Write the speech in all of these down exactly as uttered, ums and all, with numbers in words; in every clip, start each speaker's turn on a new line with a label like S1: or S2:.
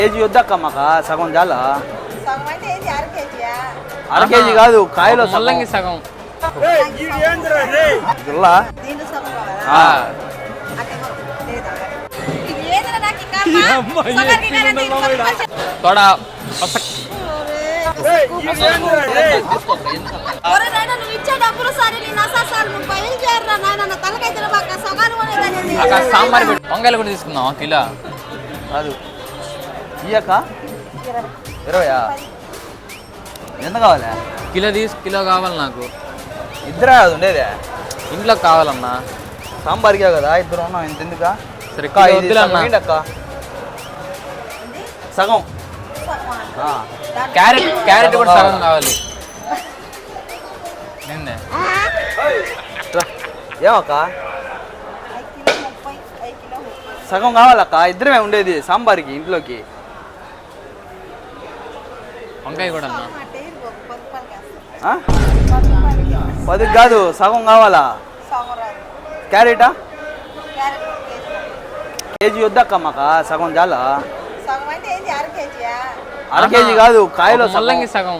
S1: KG వద్దక్క మాకు సగం చాలా.
S2: సగం అంటే ఏంటి? అర కేజీయా?
S1: అర కేజీ కాదు, కాయలో
S3: ముల్లంగి సగం.
S1: జిల్లా
S2: దీంట్లో సగం కావాలా? అంటే లేదా? ఇది ఏదైనా నాకు కర్మ. సగానికి కాదంటే ఇది కొంచెం
S3: తోడా
S2: ఒరే నాయనా, నువ్వు ఇచ్చే డబ్బులు సరే నీ నసాసాలు నువ్వు బయలుదేరరా నాయన. నా తలకైతే బాగా సగాలు అనేది
S3: అక్క సాంబార్ పెట్టి వంకాయలు కూడా తీసుకుందాం కిలో.
S1: కాదు ఇయ్యక్క ఇరవయా? ఎంత కావాలా?
S3: కిలో తీసు కిలో కావాలి నాకు.
S1: ఇద్దరే అది ఉండేదే,
S3: ఇంట్లో కావాలన్నా.
S1: సాంబార్కే కదా ఇద్దరు ఉన్నాం, ఇంత ఎందుకా?
S3: సరే కిలో వద్దులన్నా.
S1: అక్క సగం.
S3: క్యారెట్ క్యారెట్ కూడా సగం కావాలి. నిన్నే
S1: ఏమక్క సగం కావాలక్క, ఇద్దరమే ఉండేది సాంబార్కి ఇంట్లోకి.
S3: వంకాయ కూడా అన్నా.
S1: పది కాదు సగం కావాలా? క్యారెటా? కేజీ వద్దక్క మాకు సగం చాలా. అర కేజీ కాదు, కాయలో
S3: ముల్లంగి సగం.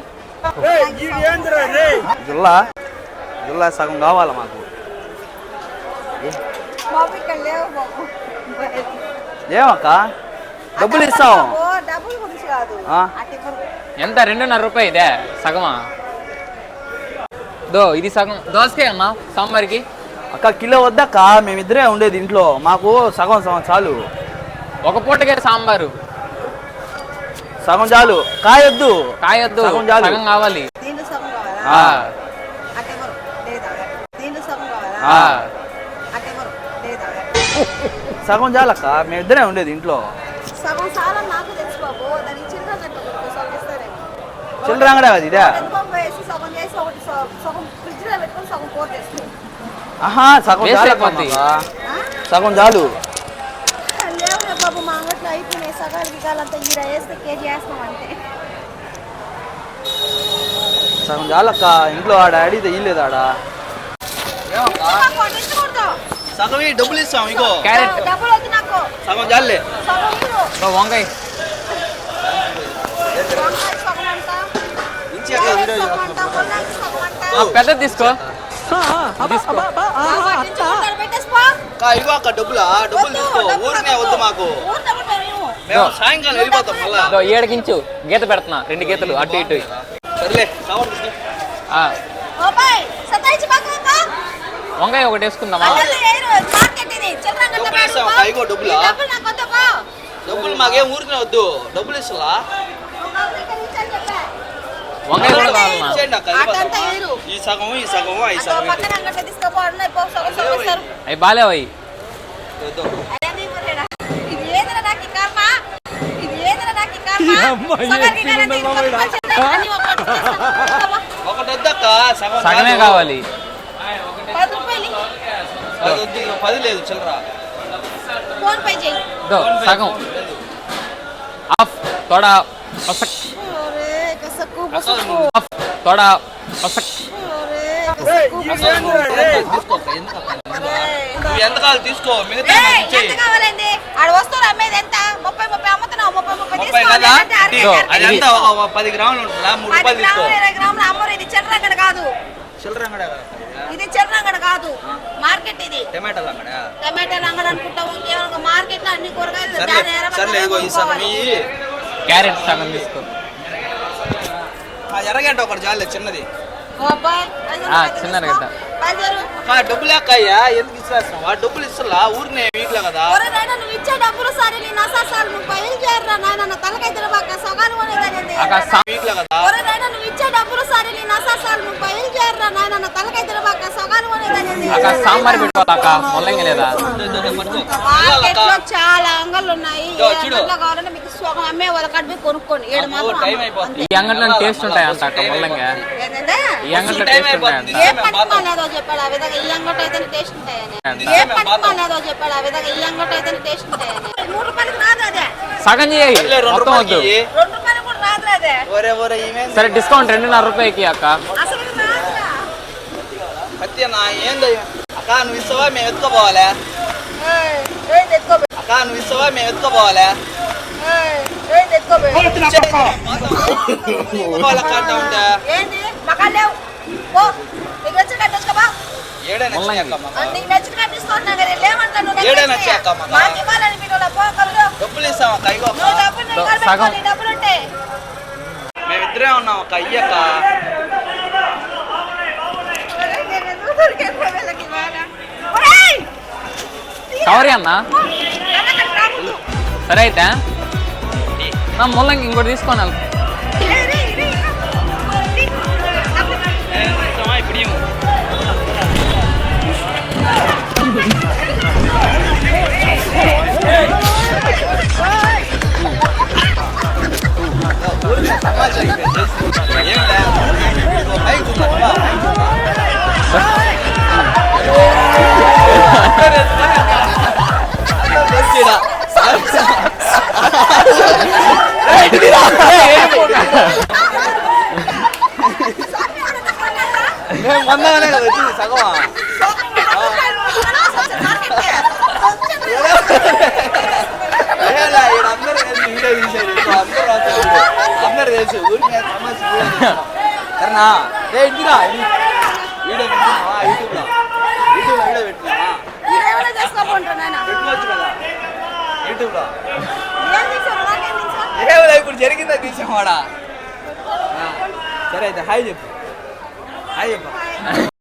S1: జిల్లా జిల్లా సగం కావాలా మాకు. ఏమక్క డబ్బులు ఇస్తాం.
S3: ఎంత? రెండున్నర రూపాయి ఇదే సగమా? దో ఇది సగం దోసకాయ అన్నా సాంబార్కి.
S1: అక్క కిలో వద్దక్క, మేమిద్దరే ఉండేది ఇంట్లో, మాకు సగం సగం చాలు.
S3: ఒక పూటకే సాంబారు
S1: సగం చాలు. కాయొద్దు
S3: కాయొద్దు,
S1: సగం చాలు.
S3: సగం కావాలి.
S1: సగం చాలక్క, మేమిద్దరే ఉండేది ఇంట్లో.
S2: సగం చాలా నాకు తెలుసు బాబు. దానికి చిల్లర కట్టుకో సగం ఇస్తారేమో.
S1: చిల్లర అంగడా కదా ఇదే?
S2: సగం చేసి ఒకటి సగం ఫ్రిడ్జ్ లో పెట్టుకొని సగం కూర చేస్తాం.
S1: ఆహా సగం చాలు, సగం చాలు.
S2: లేవులే బాబు, మా అంగట్లో అయిపోయినాయి సగాలు గిగాలంతా. ఈడ వేస్తే కేజీ వేస్తాం అంతే.
S1: సగం చాలక్క, ఇంట్లో ఆడ అడిగితే ఇల్లేదు ఆడ. సగం డబ్బులు ఇస్తాం. ఇంకో
S3: క్యారెట్
S2: డబ్బులు వద్దు నాకు,
S1: సగం చాలే.
S2: సగం ఇవ్వు.
S3: వంకాయ
S2: వంకాయ సగం అంట, క్యారెట్ సగం అంట, ముల్లంగి సగం అంట.
S3: పెద్ద తీసుకో తీసుకో.
S2: బాబా, దించుకుంటారు, పెట్టేసిపో.
S1: ఇగో అక్క డబ్బులా, డబ్బులు తీసుకో. ఊరినే వద్దు మాకు,
S2: ఊరు డబ్బులు మేము ఇవ్వు.
S1: మేము సాయంకాలం వెళ్ళిపోతాం మళ్ళా.
S3: దో ఏడకించు గీత పెడుతున్నా, రెండు గీతలు అటు ఇటు.
S1: సర్లే కావాలి.
S3: ఆ,
S2: బాబాయ్, సతాయించి బాగా బాబా.
S3: వంకాయ ఒకటి వేసుకుందామా?
S2: అసలు ఏరు, మార్కెట్ ఇది. చిల్లర అంగట్లో
S1: డబ్బులు ఇస్తాం
S2: పెట్టుకో.
S1: అక్క, ఇగో డబ్బులా.
S2: ఈ డబ్బులు నాకు వద్దు బా.
S1: డబ్బులు మాకేం ఊరినే వద్దు, డబ్బులు ఇస్తలా.
S3: వంకాయ కూడా కావాలన్నా.
S1: ఇచ్చేయండి అక్క,
S2: అటంతా
S1: వెళ్ళిపోతామా?
S2: ఏరు.
S1: ఈ సగము ఈ సగము ఈ
S2: అక్కడ
S1: సగం
S2: పక్కన అంగట్లో తీసుకోపో, అన్న ఇప్పో, సగం సగం ఇస్తారు.
S3: అవి బాలేవయి.
S2: అదే ఇవ్వలేడా? ఇది ఏదైనా నాకు ఈ కర్మ. ఇది ఏదైనా నాకు ఈ కర్మ. సగానికి కాదంటే ఇది కొంచెం కొంచెం అన్ని ఒక్కటి చేస్తాం.
S1: ఒకటి వద్దక్క, సగం
S3: సగమే
S1: చాలు.
S3: కావాలి.
S2: పది రూపాయలు
S1: పది వద్దు, ఇగో పది లేదు చిల్లర.
S2: ఫోన్ పే చేయి.
S3: దో సగం ఆఫ్ తోడా పసక్.
S2: ఒరే కసక్కు బసక్కు.
S3: ఆఫ్ తోడా పసక్.
S2: ఒరే కసక్కు బసక్కు.
S1: తీసుకో అక్క, ఎందుకు అక్క? నువ్వు ఎంత కావాలి తీసుకో, మిగతా
S2: ఏయ్,
S1: నాకు ఇచ్చేయి.
S2: ఎంత కావాలండి? ఆడ వస్తువులు అమ్మేది ఎంత? ముప్పై ముప్పై అమ్ముతున్నావు. ముప్పై ముప్పై
S1: ముప్పై
S2: తీసుకోవాలి.
S1: కదా?
S2: అంటే అరవై
S3: ఇదో,
S2: అరవై.
S1: అది ఎంత ఒక పది గ్రాములు ఉంటుందా? మూడు
S2: పది
S1: రూపాయలు తీసుకో.
S2: గ్రాములు ఇరవై గ్రాములు అమ్మరు. ఇది చిల్లర అంగడి కాదు.
S1: చిల్లర అంగడా కదా?
S2: ఇది చిల్లర అంగడి కాదు, మార్కెట్ ఇది.
S1: టమాటాలు అంగడా?
S2: టమాటాలు అంగడి అనుకుంటావు. ఇంకేమో మార్కెట్ లో అన్ని కూరగాయలు
S1: సర్లే
S2: దాని ఎర్ర
S1: సర్లే, ఇగో ఈ సగం ఇయ్యి.
S3: క్యారెట్ సగం తీసుకో.
S1: ఆ ఎర్రగడ్డ ఒకటి చాలే చిన్నది.
S3: ఆ, చిన్న ఎర్రగడ్డ.
S1: అక్క డబ్బులు అక్కయ్యా, ఎందుకు ఇస్తావు? ఆ డబ్బులు ఇస్తలా, ఊరినే వీటిలో కదా.
S2: నువ్వు ఇచ్చే డబ్బులు సరే నీ నసాసాలు నువ్వు బయలుదేరరా నాయన. నా తలకైతే బాగా సగాలు అనేది
S3: అక్క సా-
S1: వీటిలో కదా.
S2: నువ్వు ఇచ్చే డబ్బులు సరే నీ నసాసాలు నువ్వు బయలుదేరరా నాయన. నా తలకైతే బాగా సగాలు అనేది.
S3: అక్క సాంబార్ పెట్టుకోతా అక్క, ముల్లంగి లేదా?
S2: మార్కెట్ లో చాలా అంగళ్ళు ఉన్నాయి.
S1: ఇదో
S2: ఏ
S1: చూడు.
S2: అంగట్లో కావాలంటే మీకు సగం అమ్మే వాళ్ళ కడిపి కొనుక్కోండి. ఏడు మాత్రం
S1: టైం
S2: అమ్మరు.
S1: అయిపోతుంది.
S3: ఈ అంగట్లో టేస్ట్ ఉంటాయి అంట అక్క ముల్లంగి.
S2: ఏంటంటే
S3: ఈ అంగట్లో
S1: టైం
S3: టేస్ట్ ఉంటాయి
S1: అయిపోతుంది.
S3: అంట.
S2: ఏ పట్టుకోలేదో చెప్పాడు ఆ విధంగా ఈ అంగట్లో అయితే టేస్ట్ ఉంటాయని. ఏ పట్టుకోలేదో చెప్పాడు ఆ విధంగా ఈ అంగట్లో అయితే టేస్ట్ ఉంటాయని. మూడు రూపాయలకి రాదు అదే.
S3: సగం చేయి,
S1: సర్లే, రెండు
S3: మొత్తం వద్దు.
S1: రూపాయలకి ఇయ్యి.
S2: రెండు రూపాయలు కూడా రాదు అదే.
S1: ఒరే ఒరే ఈమె
S3: సరే డిస్కౌంట్ రెండున్నర రూపాయకి అక్క.
S2: అసలు ఇది రాదురా.
S1: సత్య నా ఏంది అక్క, నువ్వు ఇస్తావా మేము ఎత్తుకోపోవాలా?
S2: ఏయ్, ఏయ్ తెచ్చుకో.
S1: అక్క నువ్వు ఇస్తావా మేము ఎత్తుకోపోవాలా?
S2: ఏంది ఎత్తుకోబే
S1: వాళ్ళకి అంటా ఉంటా
S2: ఏంది మకాలు లేవు పో నీకు నచ్చిన కట్టేసుకోబా
S1: ఏడైనా వచ్చాక మాకు.
S2: నీకు నచ్చిన కట్టిస్తున్నా కదా లేమంటాను నువ్వు
S1: ఏడైనా వచ్చాక మాకు.
S2: మాకు ఇవ్వాలని మీరు పో కలు
S1: డబ్బులు ఇస్తాం అక్క ఇగో
S2: నువ్వు
S1: అక్క.
S2: డబ్బులు నేను
S3: సగం.
S2: కలబెట్టుకోవాలి డబ్బులు ఉంటే
S1: మేమిద్దరే ఉన్నాం అక్క అయ్యక్క
S3: కవరి అన్న సరే అయితే నా ముల్లంగి ఇంకోటి తీసుకొని వెళ్తా
S1: ఇప్పుడు ఇవ్వు. ఊరికే తమాషా అయిపోయింది. ఏం లే. ఇదిగో మైక్ ఉందా? మైక్ ఉందా? అందరూ ఎత్తుకొని అందరూ వచ్చేయడా. ఏయ్, ఇటుదిరా. ఏయ్, ఏం పోతా? మేము వందగానే కదా వచ్చింది సగమా ఏలా ఈడ అందరూ కలిసి వీడియో తీసేది ఇంకో అందరూ రాస్తారు వీడియో. అందరూ తెలుసు ఊరికి సమస్య సరేనా ఏ ఇంటిరా వీడియో పెట్టుకున్నావా యూట్యూబ్లో యూట్యూబ్లో వీడియో పెట్టుకున్నావా
S2: మీరేమైనా చేసుకోమంటున్నాను
S1: పెట్టుకోవచ్చు కదా యూట్యూబ్లో
S2: ఏం తీసావు నాకేం తీసావు
S1: ఏమైనా ఇప్పుడు జరిగిందా తీసామాడా సరే అయితే హాయ్ చెప్పు హాయ్ చెప్పు